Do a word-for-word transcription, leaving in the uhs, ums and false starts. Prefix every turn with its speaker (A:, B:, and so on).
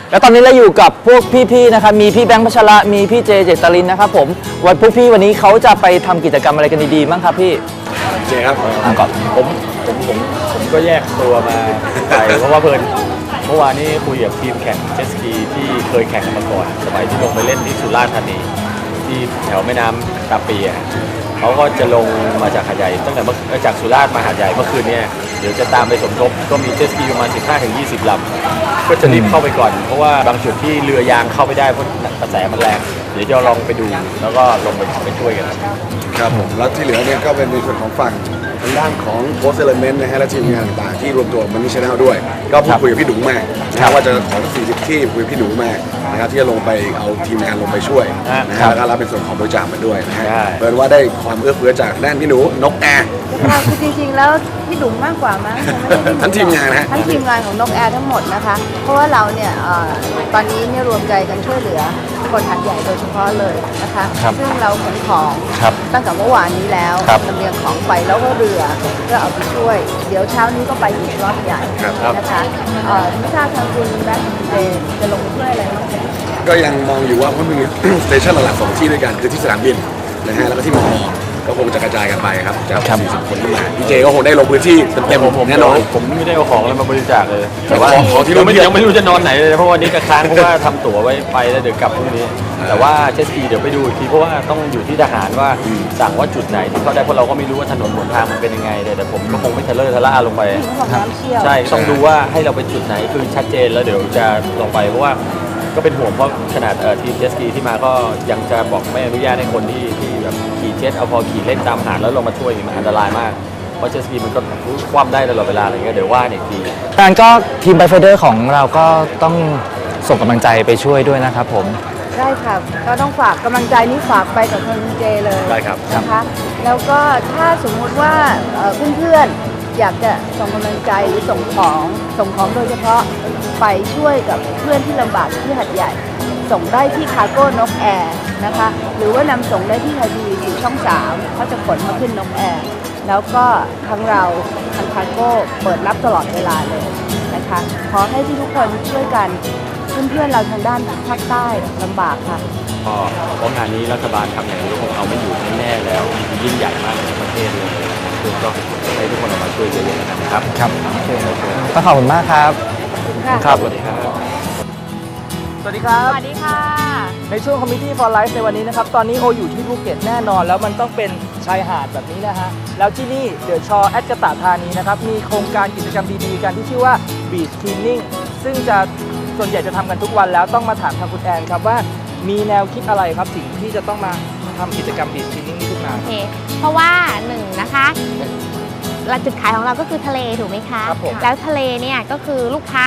A: แล้วตอนนี้เราอยู่กับพวกพี่ๆนะครับมีพี่แบงค์พัชระมีพี่เจเจตลินนะครับผมวันพวกพี่วันนี้เขาจะไปทำกิจกรรมอะไรกันดีๆบ้างครับพี่
B: เจครับ
A: อ่ะก่อน
C: ผมผมผมผมก็แยกตัวมาไปเพราะว่าเพิ่นเมื่อวานนี้คุยกับทีมแข่งเจ็ตสกีที่เคยแข่งกันมาก่อนสมัยที่ลงไปเล่นที่สุราษฎร์ธานีที่แถวแม่น้ำตาปีอ่ะเขาก็จะลงมาจากหาดใหญ่ตั้งแต่เมื่อจากสุราษฎร์มาหาดใหญ่เมื่อคืนนี้เดี๋ยวจะตามไปสมทบก็มีเจ็ตสกีประมาณ สิบห้าถึงยี่สิบ ลำก็จะรีบเข้าไปก่อนเพราะว่าบางจุดที่เรือยางเข้าไม่ได้เพราะกระแสมันแรงเดี๋ยวจะลองไปดูแล้วก็ลงไปไปช่วยกัน
B: ครับผมแล้วที่เหลือเนี่ยก็เป็นในส่วนของฝั่งทางด้านของ Post Element นะฮะและทีมงานต่างๆที่รวมตัวมันนี่ชาแนลด้วยก็พูดคุยกับพี่ดุ๋งมานะครับว่าจะขอสี่สิบที่คุยกับพี่ดุ๋งมานะครับที่จะลงไปเอาทีมงานลงไปช่วยนะฮะแล้วก็รับเป็นส่วนของบริจาคมาด้วยนะฮะเปิดว่าได้ความเอื้อเฟื้อจากด้านพี่หนูนกแอร์
D: คือจริงๆแล้วพี่ดุ๋งมากกว่ามั้ง
B: ทั้งทีมงานนะ
D: ทั้งทีมงานของนกแอร์ทั้งหมดนะคะเพราะว่าเราเนี่ยตอนนี้เนี่ยรวมใจกันช่วยเหลือคนหัดใหญ่โดยเฉพาะเลยนะคะซึ่งเราขนของตั้งแต่เมื่อวานนี้แล้วลำเลียงของไปแล้วก็เรือเพื่อเอาไปช่วยเดี๋ยวเช้านี้ก็ไปอีกรอบใหญ่นะคะไม่ทราบทางคุณแบ็คเจจะลงไปช่วยอะไรบ้าง
B: ก็ยังมองอยู่ว่าเพราะมีสเตชันหลักๆสองที่ด้วยกันคือที่สนามบินนะฮะแล้วก็ที่มอก็คงจะกระจายกันไปครับจากสี่สิบคนที่มาพี่เจก็คงได้ลงพื้นที่เต็มๆแน่นอน
C: ผมไม่ได้เอาของอะไรมาบริจาคเลย
B: แต่ว่าของที่เราไม่
C: ยังไม่รู้จะนอนไหนเลยเพราะวันนี้กระค้างเพราะว่าทำตั๋วไว้ไปแล้วเดี๋ยวกลับพรุ่งนี้แต่ว่าเจสกีเดี๋ยวไปดูอีกทีเพราะว่าต้องอยู่ที่ทหารว่าสั่งว่าจุดไหนที่เขาได้เพราะเราก็ไม่รู้ว่าถนนหนทางมันเป็นยังไงเลยแต่ผมก็คงไม่ทะเลาะทะล่าลงไปใช่ต้องดูว่าให้เราไปจุดไหนคือชัดเจนแล้วเดี๋ยวจะลงไปเพราะว่าก็เป็นห่วงเพราะขนาดทีมเจสกีที่มาก็ยังจะบอกไม่อนุญาตให้คนที่ที่แบบขี่เจ็ตเอาพอขี่เล่นตามหาดแล้วลงมาช่วยมันอันตรายมากเพราะเจสกีมันก็คว่ำได้ตลอดเวลาอะไรเงี้ยเดี๋ยวว่าอีกที
A: การก็ทีมไบไฟเดอร์ของเราก็ต้องส่งกำลังใจไปช่วยด้วยนะครับผม
D: ได้ครับก็ต้องฝากกำลังใจนี้ฝากไปกับคุณเจเลย
C: ได้ครับ
D: นะคะแล้วก็ถ้าสมมุติว่าเพื่อนๆอยากจะส่งกำลังใจหรือส่งของส่งของโดยเฉพาะไปช่วยกับเพื่อนที่ลำบากที่หัดใหญ่ส่งได้ที่คาร์โก้นกแอร์นะคะหรือว่านำส่งได้ที่ไทยทีวีสี่ช่องสามเขาจะขนมาขึ้นนกแอร์แล้วก็ทั้งเราทางคาร์โก้เปิดรับตลอดเวลาเลยนะคะขอให้ทุกคนช่วยกันเพื่อนๆเราทางด้านภาคใต้ลำบากค่ะ
C: ก็เพราะงานนี้รัฐบาลทำอย่างนี้ก็คงเอาไม่อยู่แน่ๆแล้วยิ่งใหญ่มากในประเทศเลยคือก็ให้ทุกคนออกมาช่วยเยอะๆนะครับ
A: ครับต้องขอบคุณมากครับ
C: ครับสวัสดีครับ
A: สวัสดีครับ
D: สวัสดีค่ะ
A: ในช่วง Committee for Life ในวันนี้นะครับตอนนี้โออยู่ที่ภูเก็ตแน่นอนแล้วมันต้องเป็นชายหาดแบบนี้นะฮะแล้วที่นี่เดอะชอแอดกะตะธานีนะครับมีโครงการกิจกรรมดีๆกันที่ชื่อว่า Beach Cleaning ซึ่งจะส่วนใหญ่จะทำกันทุกวันแล้วต้องมาถามทางคุณแอนครับว่ามีแนวคิดอะไรครับถึงที่จะต้องมาทำกิจกรรม Beach Cleaning นี้ขึ้นมา
E: โอเคเพราะว่าหนึ่งนะคะจุดขายของเราก็คือทะเลถูกไหมคะแล้วทะเลเนี่ยก็คือลูกค้า